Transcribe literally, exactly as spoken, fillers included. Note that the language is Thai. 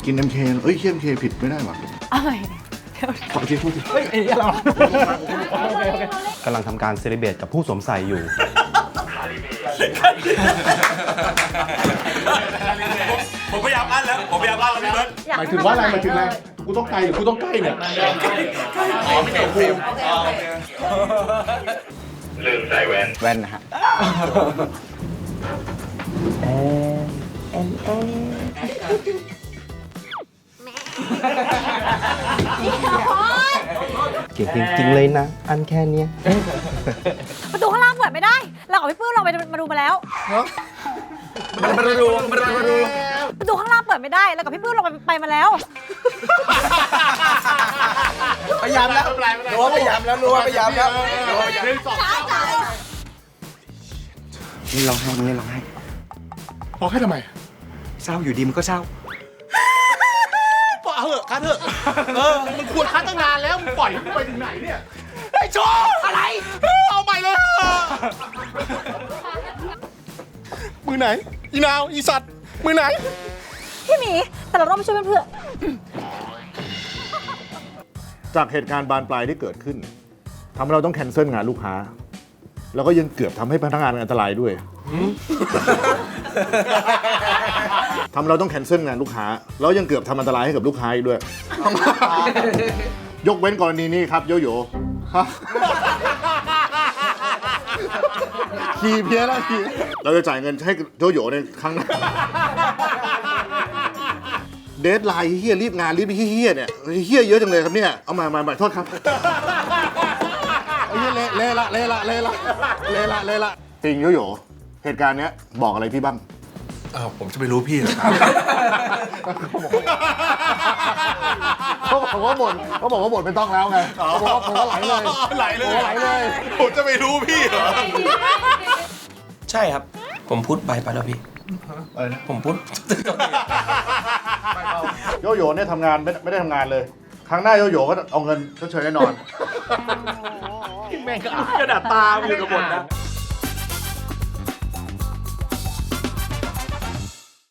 กิน เอ็ม เค เอ้ยเคี่ย เอ็ม เค ผิดไม่ได้หรอเอาใหม่ขอทีโทษทีเฮ้ยเรากำลังทำการเซเลบเรตกับผู้สวมใส่อยู่ผมพยายามอั้นแล้วผมพยายามอั้นแล้วพี่เบิร์ดหมายถึงว่าอะไรหมายถึงอะไรกูต้องไกลหรือกูต้องใกล้เนี่ยอ๋อไม่เกี่ยวฟิล์มลืมใส่แว่นแว่นนะฮะเก่งจริงๆเลยนะ อันแค่เนี้ยประตูข้างล่างเปิดไม่ได้เรากับพี่ปื้มลองไปมาดูมาแล้วมันมาดูมันมาดูประตูข้างล่างเปิดไม่ได้แล้วกับพี่ปื้มลองไปไปมาแล้วพยายามแล้วรู้ว่าพยายามแล้วรู้ว่าพยายามแล้วหนึ่งสองนี่ร้องไห้นี่ร้องไห้พอให้ทำไมเศร้าอยู่ดีมันก็เศร้าปล่อยเอาเถอะคัดเถอะเออมันควรคัดตั้งนานแล้วมึงปล่อยมึงไปถึงไหนเนี่ยไอ้โชว์อะไรเอาใหม่เลยมือไหนอีนาวอีสัตว์มือไหนพี่หมีแต่เราต้องไปช่วยเพื่อนจากเหตุการณ์บานปลายที่เกิดขึ้นทำให้เราต้องแคนเซิลงานลูกค้า แล้วก็ยังเกือบทำให้พนักงานอันตรายด้วยทำให้เราต้องแคนเซิลงานลูกค้าแล้วยังเกือบทำอันตรายให้กับลูกค้าอีกด้วย ยกเว้นกรณีนี้ครับโยโย่ฮะขี่เพี้ยแล้วขี่เราจะจ่ายเงินให้โยโย่ในครั้งหน้าเดทไลน์เฮียรีบงานรีบเฮียเนี่ยเฮียเยอะจังเลยครับเนี่ยเอามามามาโทษครับไอ้เฮียเละเละละเละละเละละเละละเละละจริงโยโย่เหตุการณ์เนี้ยบอกอะไรพี่บ้างอ้าวผมจะไปรู้พี่เหรอครับเขาบอกว่าบ่นเขาบอกว่าบ่นไม่ต้องแล้วไงเขาบอกว่าผมก็ไหลเลยไหลเลยไหลเลยผมจะไปรู้พี่เหรอใช่ครับ ผมพูดไปไปแล้วพี่อะไรนะผมพูดโยโย่เนี่ยทำงานไม่ไม่ได้ทำงานเลย ครั้งหน้าโยโย่ก็เอาเงินชดเชยแน่นอนแม่งก็กระดาษตาอยู่กับบทนะ